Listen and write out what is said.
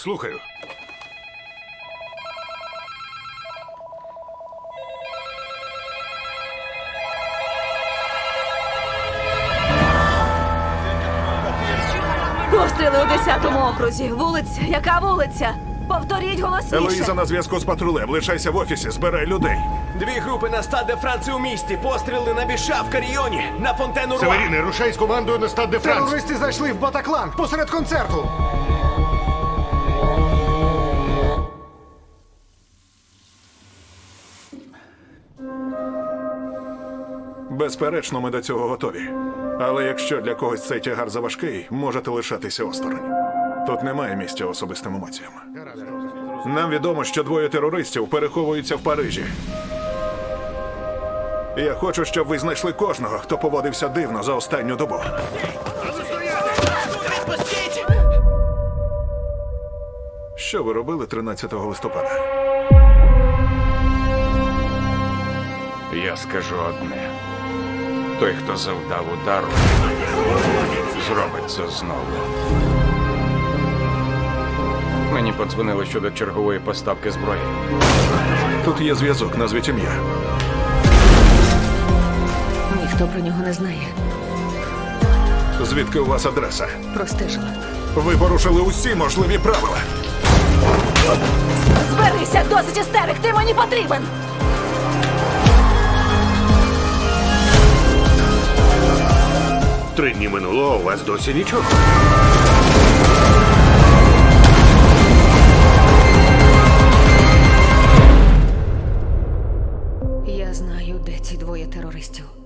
Слухаю. Постріли у 10-му окрузі. Вулиця. Яка вулиця? Повторіть голосніше. Елоїза на зв'язку з патрулем. Лишайся в офісі, збирай людей. Дві групи на стад де Франції у місті. Постріли на Біша в Каріоні, на Фонтену Руа. Северіни, рушай з командою на стад де Франс. Терористи зайшли в Батаклан посеред концерту. Безперечно, ми до цього готові. Але якщо для когось цей тягар заважкий, можете лишатися осторонь. Тут немає місця особистим емоціям. Нам відомо, що двоє терористів переховуються в Парижі. Я хочу, щоб ви знайшли кожного, хто поводився дивно за останню добу. Що ви робили 13 листопада? Я скажу одне. Той, хто завдав удару, зробить це знову. Мені подзвонили щодо чергової поставки зброї. Тут є зв'язок, назвіть ім'я. Ніхто про нього не знає. Звідки у вас адреса? Простежила. Ви порушили усі можливі правила. Зберися, досить істерик, ти мені потрібен! Три дні минуло, а у вас досі нічого. Я знаю, де ці двоє терористів.